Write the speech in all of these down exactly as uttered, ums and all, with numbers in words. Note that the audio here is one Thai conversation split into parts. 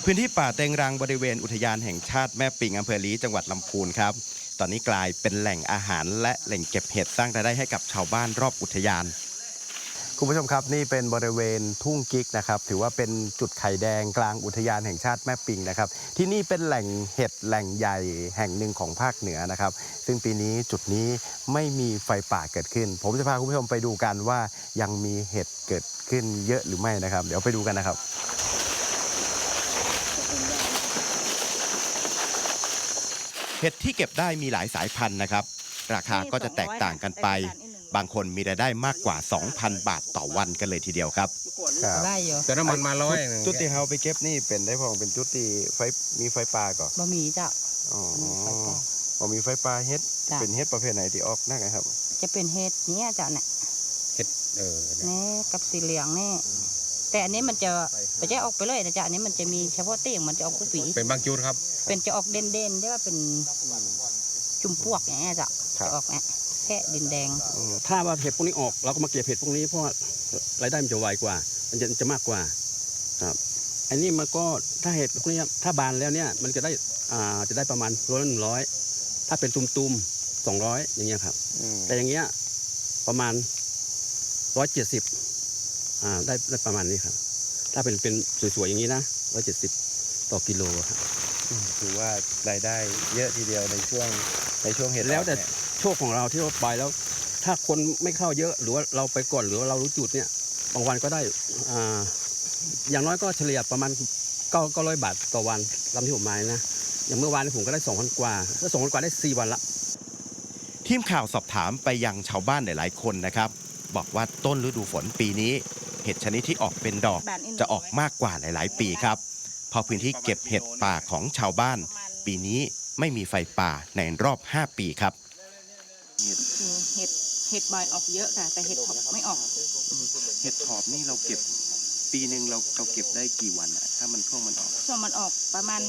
พื้นที่ป่าเต็งรังบริเวณอุทยานแห่งชาติแม่ปิงอำเภอลี้จังหวัดลำพูนครับตอนนี้กลายเป็นแหล่งอาหารและแหล่งเก็บเห็ดสร้างรายได้ให้กับชาวบ้านรอบอุทยานคุณผู้ชมครับนี่เป็นบริเวณทุ่งกิ๊กนะครับถือว่าเป็นจุดไข่แดงกลางอุทยานแห่งชาติแม่ปิงนะครับที่นี่เป็นแหล่งเห็ดแหล่งใหญ่แห่งหนึ่งของภาคเหนือนะครับซึ่งปีนี้จุดนี้ไม่มีไฟป่าเกิดขึ้นผมจะพาคุณผู้ชมไปดูกันว่ายังมีเห็ดเกิดขึ้นเยอะหรือไม่นะครับเดี๋ยวไปดูกันนะครับเห็ดที่เก็บได้มีหลายสายพันธุ์นะครับราคาก็จะแตกต่างกันไปบางคนมีรายได้มากกว่า สองพัน บาทต่อวันกันเลยทีเดียวครับได้อยู่แต่น้ำมันมาร้อยจุดที่เราไปเก็บนี่เป็นได้พองเป็นจุดที่ไฟมีไฟป่าก่อนบะหมี่จ้ะอ๋อบ่มีไฟป่าเห็ดเป็นเห็ดประเภทไหนที่ออกนักครับจะเป็นเห็ดนี้จ้ะเนี่ยเห็ดเออนี่กับสีเหลืองนี่แต่อันนี้มันจะไปจะออกไปเลยนะจ๊ะอันนี้มันจะมีเฉพาะเตี้ยงมันจะออกกุปีเป็นบางจุดครับเป็นจะออกเด่นเด่นได้ว่าเป็นจุ่มพวกอย่างเงี้ยจ้ะจะออกเนี่ยแค่ดินแดงถ้าว่าเห็ดพวกนี้ออกเราก็มาเก็บเห็ดพวกนี้เพราะรายได้มันจะไวกว่ามันจะจะมากกว่าครับอันนี้มันก็ถ้าเห็ดพวกนี้ถ้าบานแล้วเนี่ยมันจะได้อ่าจะได้ประมาณร้อยหนึ่งร้อยถ้าเป็นตุ่มๆสองร้อยอย่างเงี้ยครับแต่อย่างเงี้ยประมาณร้อยเจ็ดสิบอ่าได้ได้ประมาณนี้ครับถ้าเป็นเป็นสวยๆอย่างนี้นะร้อยเจ็ดสิบต่อกิโลครับถือว่ารายได้เยอะทีเดียวในช่วงในช่วงเห็ดแล้วแต่โชคของเราที่เราไปแล้วถ้าคนไม่เข้าเยอะหรือว่าเราไปก่อนหรือว่าเรารู้จุดเนี่ยบางวันก็ได้อ่าอย่างน้อยก็เฉลี่ยประมาณเก้าเก้าร้อยบาทต่อวันลำที่ผมมานะอย่างเมื่อวานผมก็ได้สองพันกว่าถ้าสองพันกว่าได้สี่วันละทีมข่าวสอบถามไปยังชาวบ้านหลายๆคนนะครับบอกว่าต้นฤดูฝนปีนี้เห็ดชนิดที่ออกเป็นดอกจะออกมากกว่าหลายๆปีครับเพราะพื้นที่เก็บเห็ดป่าของชาวบ้านปีนี้ไม่มีไฟป่าในรอบห้าปีครับเห็ดเห็ดเห็ดใบออกเยอะค่ะแต่เห็ดถอบไม่ออกเห็ดถอบนี่เราเก็บปีหนึ่งเราเราเก็บได้กี่วันอะถ้ามันช่วงมันออกช่วงมันออกประมาณ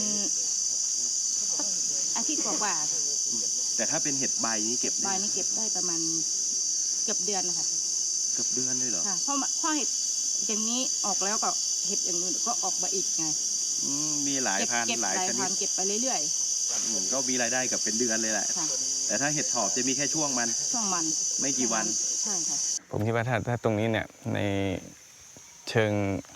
อาทิตย์กว่าแต่ถ้าเป็นเห็ดใบนี่เก็บใบนี่เก็บได้ประมาณเกือบเดือนนะคะเกือบเดือนเลยเหรอค่ะเพราะเพราะเห็ดอย่างนี้ออกแล้วก็เห็ดอย่างอื่นก็ออกมาอีกไงมีหลายพันหลายชนิดเก็บไปเรื่อยๆก็มีรายได้กับเป็นเดือนเลยแหละแต่ถ้าเห็ดถอบจะมีแค่ช่วงมันช่วงมันไม่กี่วันใช่ค่ะผมคิดว่าถ้าถ้าตรงนี้เนี่ยในเชิง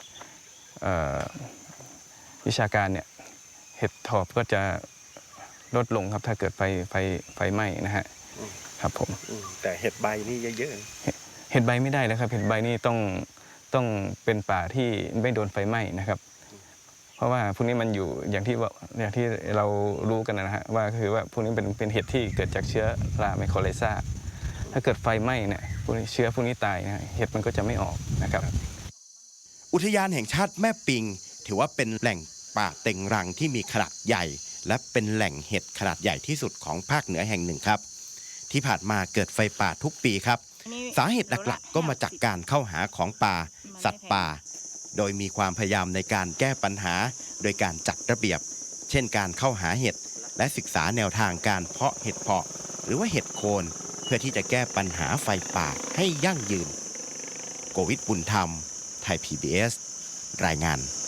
วิชาการเนี่ยเห็ดถอบก็จะลดลงครับถ้าเกิดไฟไฟไฟไหม้นะฮะครับผมแต่เห็ดใบนี่เยอะๆเห็ดใบไม่ได้แล้วครับเห็ดใบนี่ต้องต้องเป็นป่าที่ไม่โดนไฟไหม้นะครับเพราะว่าพวกนี้มันอยู่อย่างที่ว่าอย่างที่เรารู้กันนะฮะว่าคือว่าพวกนี้เป็นเป็นเห็ดที่เกิดจากเชื้อราไมโครไลซาถ้าเกิดไฟไหม้เนี่ยพวกนี้เชื้อพวกนี้ตายนะเห็ดมันก็จะไม่ออกนะครับอุทยานแห่งชาติแม่ปิงถือว่าเป็นแหล่งป่าเต็งรังที่มีขนาดใหญ่และเป็นแหล่งเห็ดขนาดใหญ่ที่สุดของภาคเหนือแห่งหนึ่งครับที่ผ่านมาเกิดไฟป่าทุกปีครับสาเหตุหลักๆก็มาจากการเข้าหาของป่าสัตว์ป่าโดยมีความพยายามในการแก้ปัญหาโดยการจัดระเบียบเช่นการเข้าหาเห็ดและศึกษาแนวทางการเพาะเห็ดเพาะหรือว่าเห็ดโคนเพื่อที่จะแก้ปัญหาไฟป่าให้ยั่งยืนโกวิทบุญธรรมไทย พี บี เอส รายงาน